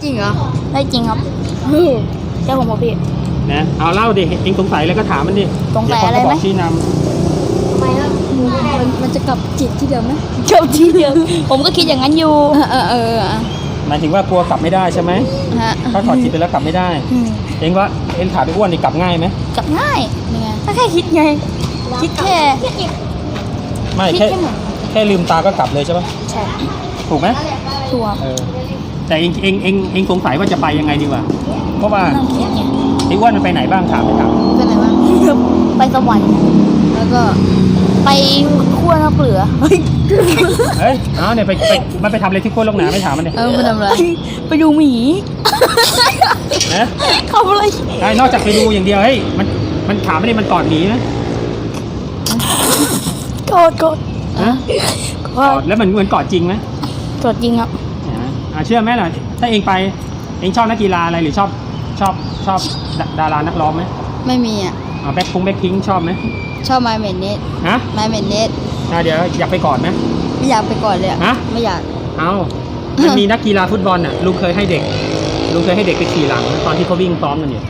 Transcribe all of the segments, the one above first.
จริงเหรอได้จริงครับเจ้าผมบอกพี่นะเอาเล่าดิเองสงสัยอะไรก็ถามมันดิสงสัยอะไรไหมเดี๋วเขาก็บอกชี้นทำไมครับมันจะกลับจิตที่เดิมไหมเจ้าที่เดียวผมก็คิดอย่างนั้นอยู่ำหมายถึงว่ากลัวกลับไม่ได้ใช่ไหมฮะถ้าถอดจิตไปแล้วกลับไม่ได้ เองว่าเองถามไปอ้วนนี่กลับง่ายไหมกลับง่ายนี่ไงถ้าแค่คิดไง คิดแค่ไม่คิดแค่แค่เหมือนแค่ลืมตาก็กลับเลยใช่ปะใช่ถูกไหมตัวแต่เองสงสัยว่าจะไปยังไงดีกว่าเพราะว่านั่งคิดไงไอ้อ้วนมันไปไหนบ้างถามไปถามไปไหนวะไปสวรรค์แล้วก็ไปขั้วน้ำเปลือเฮ้ยเอาเนี่ยมันไปทำอะไรที่โคตรโลกหนาไม่ถามมันเนี่ยไปทำอะไรไปดูหมีนะทำอะไรใช่นอกจากไปดูอย่างเดียวเฮ้ยมันถามไม่ได้มันกอดหนีนะกดฮะกอดแล้วมันเหมือนกอดจริงไหมกดจริงครับเชื่อไหมล่ะถ้าเองไปเองชอบนักกีฬาอะไรหรือชอบดารานักร้องไหมไม่มีอ่ะแบ็คพิงชอบไหมชอบไมเมนเนสฮะไมเมนเนสเดี๋ยวอยากไปกอดไหมไม่อยากไปก่อนเลยอ่ะฮะไม่อยากเอามันมีนักกีฬาฟุตบอลน่ะลุงเคยให้เด็กไปขี่หลังตอนที่เขาวิ่งซ้อมกันอยู่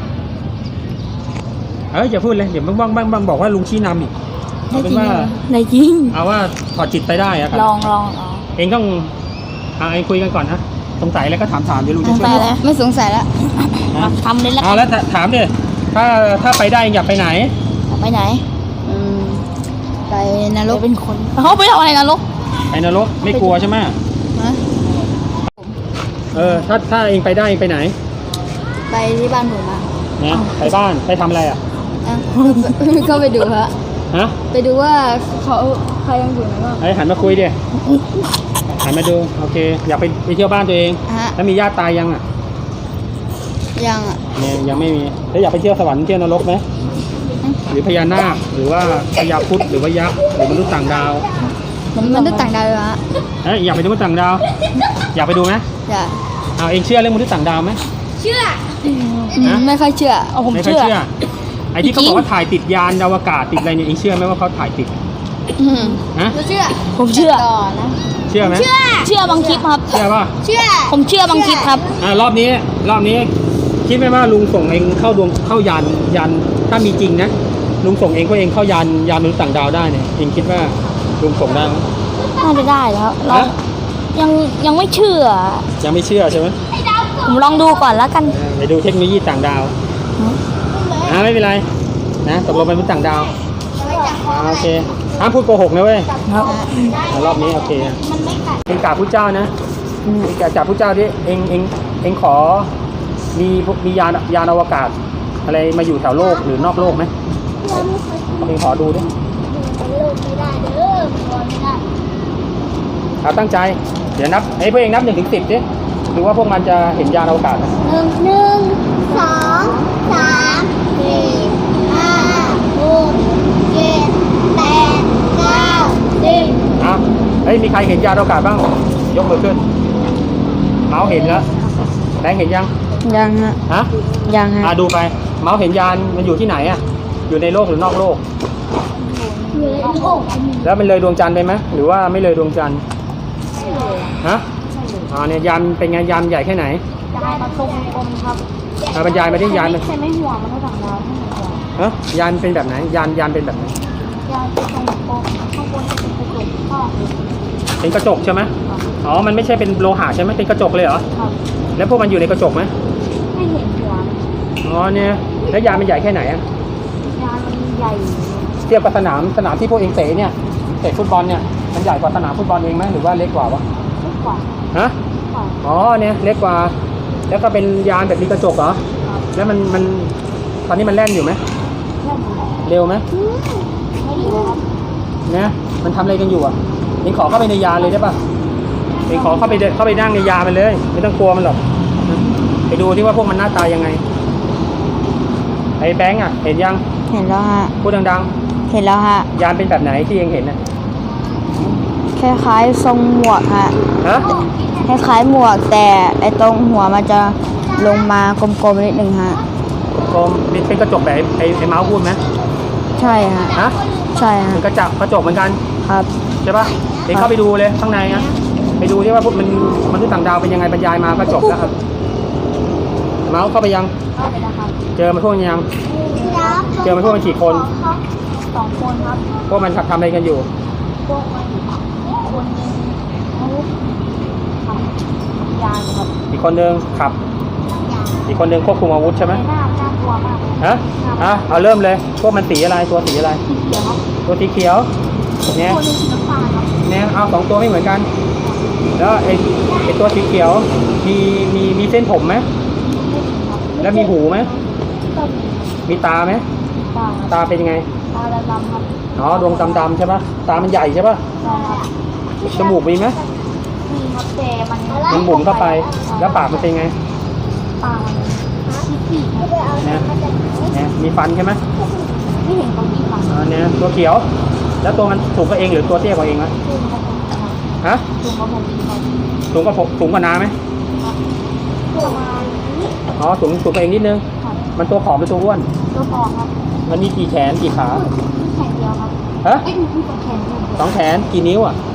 อย่าพูดเลยเดี๋ยวบ้างบอกว่าลุงชี้นำอีกได้เอาเป็จรินงว่าเหรอในจริงเอาว่าถอดจิตไปได้อะครับลองเองต้องเองคุยกันก่อนนะสงสัยอะไรก็ถามเดี๋ยวลุงสจะงช่สัวยยแล้วไม่สงสัยแล้วนะทำเลยแล้วเอาแล้วถามดิถ้าไปได้เองอยากไปไหนไปไหนไปนรกเป็นคนเขาไปทำอะไรนะลูกไปนรกไม่กลัวใช่ไหมฮะถ้าเองไปได้เองไปไหนไปที่บ้านผมอ่ะนะไปบ้านไปทำอะไรอ่ะก็ไปดูฮะฮะไปดูว่าเขาใครยังอยู่ไหนบ้างหันมาคุยดิหันมาดูโอเคอยากไปเที่ยวบ้านตัวเองฮะแล้วมีญาติตายยังอ่ะยังอ่ะเนี่ยยังไม่มีแล้วอยากไปเที่ยวสวรรค์เที่ยวนรกไหมหรือพญานาคหรือว่าพญาครุฑหรือว่ายักษ์หรือมนุษย์ต่างดาวมันได้ต่างดาวเลยฮะอยากไปดูมนุษย์ต่างดาว อยากไปดูไหมอยากเอาเองเชื่อเรื่องมนุษย์ต่างดาวไหม ฮะไม่ค่อยเชื่อเอาผมไม่ค่อยเชื่อเชื่อไอ้ที่เขาบอกว่าถ่ายติดยานอวกาศติดอะไรเนี่ยเองเชื่อไหมว่าเขาถ่ายติดฮะเชื่อผมเชื่อต่อนะเชื่อไหมเชื่อบางคลิปครับเชื่อป่ะเชื่อผมเชื่อบางคลิปครับรอบนี้คิดไหมว่าลุงส่งเองเข้ายานถ้ามีจริงนะลุงส่งเองก็เองเข้ายานมนุษย์ต่างดาวได้เนี่ยเองคิดว่าลุงส่งได้ไหมน่าจะได้แล้วเราฮะยังไม่เชื่อยังไม่เชื่อใช่ไหมผมลองดูก่อนแล้วกันไปดูเทคโนโลยีต่างดาวไม่เป็นไรนะตกลงเป็นมนุษย์ต่างดาวโอเคห้ามพูดโกหกนะเว้ยครับรอบนี้โอเคเองกราบพระเจ้านะเองกราบพระเจ้าดิเองขอมียานอวกาศ อะไรมาอยู่แถวโลกหรือนอกโลกไหมเองขอดูดิเอาตั้งใจเดี๋ยวนับพวกเองนับ1 ถึง 10ดิดูว่าพวกมันจะเห็นยานอวกาศไหม 1 2 3 4 5 6 7 8 9 10 มีใครเห็นยานอวกาศบ้างยกมือขึ้นเมาส์เห็นแล้วแบงค์เห็นยังยังฮะฮะยังฮะดูไปเมาส์เห็นยานมันอยู่ที่ไหนอ่ะอยู่ในโลกหรือนอกโลกอยู่ในโลกแล้วมันเลยดวงจันทร์ไปไหมหรือว่าไม่เลยดวงจันทร์ฮะเนี่ยยานเป็นไงยานใหญ่แค่ไหนจะให้มาตรงกลมครับบรรยายมาที่ยานมันใช่ไม่ห่วงมันก็ต่างดาวให้หมดเลยฮะยานเป็นแบบไหนยานเป็นแบบไหนยาวตรงกลมข้างบนจะเป็นกระจกข้อเป็นกระจกใช่ไหมมันไม่ใช่เป็นโลหะใช่ไหมเป็นกระจกเลยเหรอครับแล้วพวกมันอยู่ในกระจกไหมไม่เห็นหัวมันเนี่ยแล้วยานมันใหญ่แค่ไหนอ่ะยานมันใหญ่เทียบกับสนามที่พวกเองเตะเนี่ยเตะฟุตบอลเนี่ยมันใหญ่กว่าสนามฟุตบอลเองไหมหรือว่าเล็กกว่าวะเล็กกว่าฮะกว่าเนี่ยเล็กกว่าแล้วก็เป็นยานแบบมีกระจกเหรอครับแล้วมันตอนนี้มันแล่นอยู่ไหมแค่นี้เร็วไหมไม่ดีครับเนี่ยมันทำอะไรกันอยู่อ่ะเองขอเข้าไปในยานเลยได้ป่ะเองขอเข้าไปนั่งในยานมันเลย ไม่ต้องกลัวมันหรอกไปดูที่ว่าพวกมันหน้าตายังไงไอ้แบงค์อ่ะเห็นยังเห็นแล้วฮะพูดดังเห็นแล้วฮะๆยานเป็นแบบไหนที่เองเห็นน่ะคล้ายๆทรงหมวกฮะฮะคล้ายๆหมวกแต่ไอ้ตรงหัวมันจะลงมากลมๆนิดนึงฮะกลมเป็นกระจกแบบไอ้เมาส์พูดไหมใช่ฮะฮะใช่ฮะเป็นกระจกเหมือนกันครับใช่ป่ะเองเข้าไปดูเลยข้างในนะไปดูที่ว่าพวกมันมนุษย์ต่างดาวเป็นยังไงบรรยายมากระจกแล้วครับเมาส์เข้าไปยังเข้าไปนะครับเจอมันพวกมันยัง เจอมันพวกมันกี่คนครับ2 คนครับพวกมันทำอะไรกันอยู่พวกมันคนหนึงเขาทำยาอยู่ครับอีกคนนึงขับยาอีกคนนึงควบคุมอาวุธใช่ไหมในน่ากลัวมากเลยฮะเอาเริ่มเลย พวกมันสีอะไร ตัวสีอะไรเดี๋ยวครับตัวสีเขียว เนี่ยคนหนึงสีน้ำตาลครับเนี่ยเอา2 ตัวไม่เหมือนกัน แล้วไอตัวสีเขียว มีเส้นผมไหม แล้วมีหูไหมก็มีมีตาไหมตาครับตาเป็นยังไงตาดำๆครับอ๋อ ดวงดำๆใช่ปะตามันใหญ่ใช่ปะใช่ครับจมูกมีไหมมีครับแต่มันมันบุ๋มเข้าไป แล้วปากมันเป็นไงปากมันขี้ๆครับเนี่ยมีฟันใช่ไหมไม่เห็นตรงนี้ครับเนี่ยตัวเขียว แล้วตัวมันสูงกว่าเองหรือตัวเตี้ยกว่าเองวะสูงกว่าผมครับฮะสูงกว่าผมอีกครับสูงกว่าน้าไหมประมาณนี้อ๋อสูงกว่าเองนิดนึงครับมันตัวผอมหรือตัวอ้วนตัวฟองครับมันมีกี่แขนกี่ขามีแขนเดียวครับฮะมีสองแขนอยู่ 2 แขนกี่นิ้วอ่ะ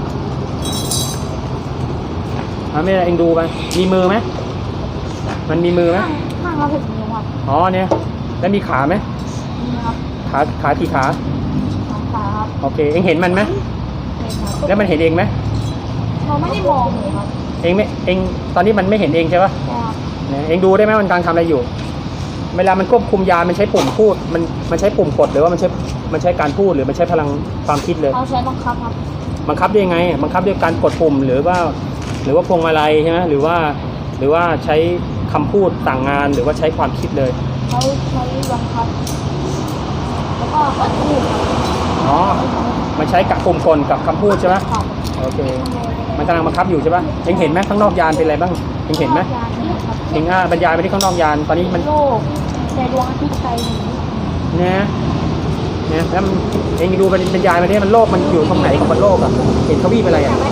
ไม่เป็นไรเองดูไป มีมือไหม มันมีมือไหมข้างละ6 นิ้วครับอ๋อเนี่ย แล้วมีขาไหมนี่ครับขากี่ขา 2 ขาครับโอเค เองเห็นมันไหมนี่ครับแล้วมันเห็นเองไหมเราไม่ได้มองเลยครับเองตอนนี้มันไม่เห็นเองใช่ปะใช่ครับเนี่ยเองดูได้ไหมมันกำลังทำอะไรอยู่ เวลามันควบคุมยา มันใช้ปุ่มพูด มันใช้ปุ่มกดหรือว่ามันใช้การพูดหรือมันใช้พลังความคิดเลยเราใช้บังคับครับบังคับได้ยังไง บังคับด้วยการกดปุ่มหรือว่าพวงมาลัยใช่ไหมหรือว่าใช้คำพูดสั่งงานหรือว่าใช้ความคิดเลยเขาใช้บังคับ แล้วก็กดพูดครับอ๋อ มันใช้กับปุ่มกลกับคำพูดใช่ไหมครับโอเค มันกำลังบังคับอยู่ใช่ปะเองเห็นไหมข้างนอกยานเป็นอะไรบ้างเองเห็นไหมยานนี้ครับเองบรรยายไปที่ข้างนอกยาน ตอนนี้มันโลกแต่ดวงอาทิตย์ไกลหนึ่งเนี่ยแล้วมันเองดูบรรยายมาที่มันโลกมันอยู่ตรงไหนของบนโลกอ่ะ เห็นทวีปอะไรอ่ะ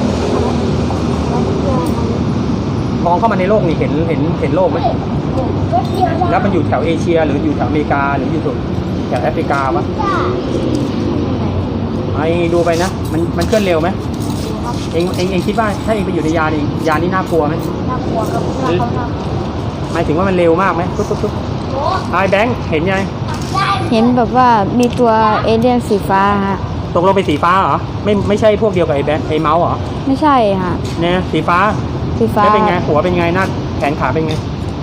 มองเข้ามาในโลกนี่เห็นโลกไหม แล้วมันอยู่แถวเอเชียหรืออยู่แถวอเมริกาหรืออยู่แถวแอฟริกาวะไอ้ดูไปนะ มันเคลื่อนเร็วไหมเองคิดว่าถ้าเองไปอยู่ในยานนี่น่ากลัวไหมน่ากลัวครับน่ากลัวมากหมายถึงว่ามันเร็วมากไหมปุ๊บไอ้แบงค์เห็นยังเห็นแบบว่ามีตัวเอเลี่ยนสีฟ้าฮะตกลงเป็นสีฟ้าเหรอ ไม่ใช่พวกเดียวกับไอ้แบงค์ไอ้เมาส์เหรอไม่ใช่ฮะเนี่ยสีฟ้าสีฟ้าแล้วเป็นไงหัวเป็นไงหน้าแขนขาเป็นไง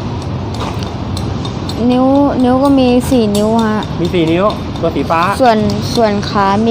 นิ้วก็มี4 นิ้วฮะมี4 นิ้วตัวสีฟ้าส่วนขามี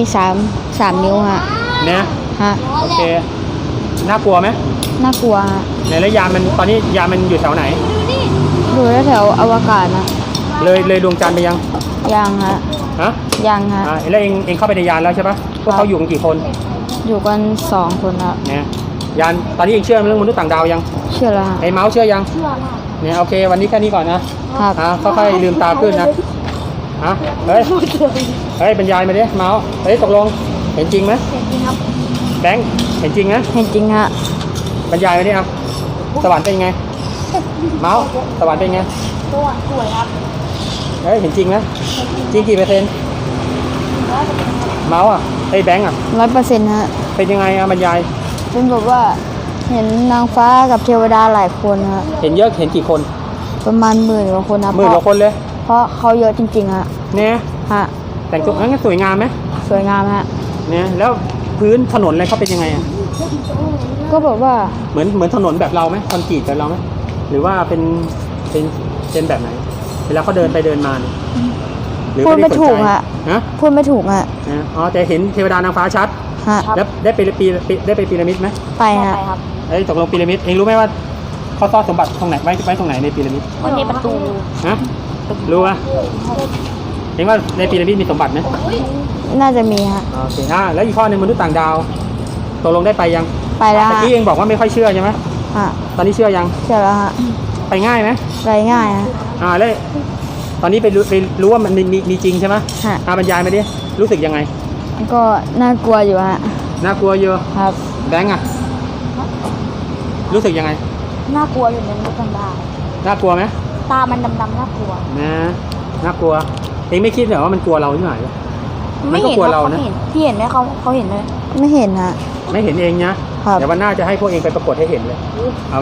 3 นิ้วฮะเนี่ยฮะโอเคน่ากลัวไหมน่ากลัวฮะในระยานมันตอนนี้ยานมันอยู่แถวไหนดูแถวๆอวกาศนะเลยดวงจันทร์ไปยังยังฮะฮะยังฮะแล้วเองเข้าไปในยานแล้วใช่ปะพวกเขาอยู่กันกี่คนอยู่กัน2 คนครับเนี่ยยานตอนนี้เองเชื่อเรื่องมนุษย์ต่างดาวยังเชื่อแล้วฮะไอ้เมาส์เชื่อยังเชื่อมากเนี่ยโอเค วันนี้แค่นี้ก่อนนะครับ ค่อยๆลืมตาขึ้นนะเฮ้ยบรรยายมาดิเมาส์เฮ้ยตกลงเห็นจริงไหมเห็นจริงครับแบงค์เห็นจริงนะเห็นจริงฮะบรรยายมาดิครับสวรรค์เป็นไง เมาส์สวรรค์เป็นไงตัวสวยครับเฮ้ยเห็นจริงนะจริงกี่เปอร์เซ็นต์เมาส์ไอ้แบงค์ 100%ฮะเป็นยังไงบรรยายเป็นแบบว่าเห็นนางฟ้ากับเทวดาหลายคนฮะเห็นเยอะเห็นกี่คนประมาณ10,000 กว่าคนนะ 10,000 กว่าคนเลยเพราะเขาเยอะจริงๆฮะเนี่ยฮะแต่งตัวงั้นสวยงามไหมสวยงามฮะเนี่ยแล้วพื้นถนนอะไรเขาเป็นยังไงอ่ะก็แบบว่าเหมือนถนนแบบเราไหมคอนกรีตแบบเราไหมหรือว่าเป็นแบบไหน เวลาเขาเดินไปเดินมาเนี่ยหรือพูดด้ไม่สนใจถูกฮะฮะพูดไม่ถูกฮะอ๋อแต่เห็นเทวดานางฟ้าชัดฮะแล้วได้ไปพีระมิดไหมไปฮะไปครับเอ้ยตกลงพีระมิดเองรู้ไหมว่าเขาซ่อนสมบัติตรงไหนไว้ตรงไหนในพีระมิดมันมีประตูฮะรู้ป่ะเองว่าในพีระมิดมีสมบัติไหมน่าจะมีฮะโอเคแล้วอีกข้อหนึ่งมนุษย์ต่างดาวตกลงได้ไปยังไปแล้วเมื่อฮะกี้เองบอกว่าไม่ค่อยเชื่อใช่ไหมฮะตอนนี้เชื่อยังเชื่อแล้วฮะไปง่ายไหมไปง่ายฮะแล้วตอนนี้ไปรู้ว่ามันมีจริงใช่ไหมฮะบรรยายมาดิรู้สึกยังไงก็น่ากลัวอยู่ฮะน่ากลัวเยอะครับแบงค์อะรู้สึกยังไงน่ากลัวอยู่ในมุกกันดาน่ากลัวไหมตามันดำๆน่ากลัวน่ากลัวเองไม่คิดเหรอว่ามันกลัวเราที่ไหนมันก็กลัวเรานะพี่เห็นไหมเขาเห็นไหมไม่เห็นฮะไม่เห็นเองนะครับ เดี๋ยววันหน้าจะให้พวกเองไปปรากฏให้เห็นเลยเอาไหมไป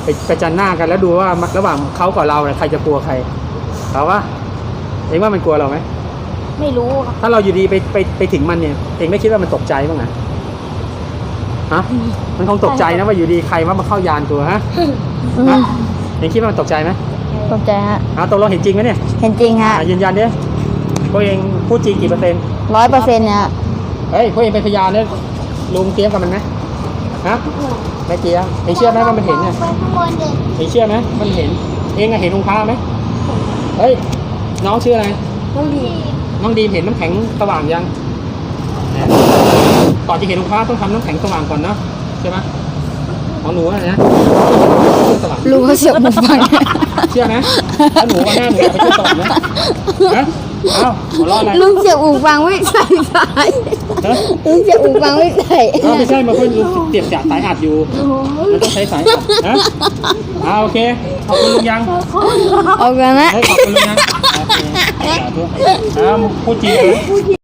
ประจันหน้ากันแล้วดูว่าระหว่างเขากับเราเนี่ยใครจะกลัวใครเอาวะเองว่ามันกลัวเราไหมไม่รู้ครับถ้าเราอยู่ดีไปถึงมันเนี่ยเองไม่คิดว่ามันตกใจบ้างนะฮะมันคงตกใจนะว่าอยู่ดีใครว่ามาเข้ายานตัวฮะฮะเองคิดว่ามันตกใจไหมตกใจฮะตกลงเห็นจริงไหมเนี่ยเห็นจริงฮะยืนยันดิพวกเองพูดจริงกี่เปอร์เซ็นต์ 100%เนี่ยฮะเฮ้ยพวกเองเป็นพยานเนี่ยลุงเตรียมกับมันไหมฮะไม่เตรียมเองเชื่อไหมว่ามันเห็นเนี่ยไปข้างบนเด็กเองเชื่อไหมมันเห็นเองอะเห็นองค์พระไหมเฮ้ยน้องชื่ออะไรต้องดีน้องดีมเห็นน้ำแข็งสว่างยังก่อนจะเห็นองค์พระต้องทำน้ำแข็งสว่างก่อนเนาะใช่ไหมของหนูอะนะสว่างลุงเขาเสียบหูฟังเชื่อไหมแล้วหนูวันหน้าหนูอยากไปช่วยตอบนะฮะเอ้าหัวเราะอะไรลุงเสียบหูฟังไม่ใส่สายฮะลุงเสียบหูฟังไม่ใส่ไม่ใช่มาเพื่อนเสียบจากสายอัดอยู่มันต้องใช้สายอัดฮะโอเคขอบคุณลุงยังเอากันนะขอบคุณลุงยังโอเคสาธุพูดจริงนะ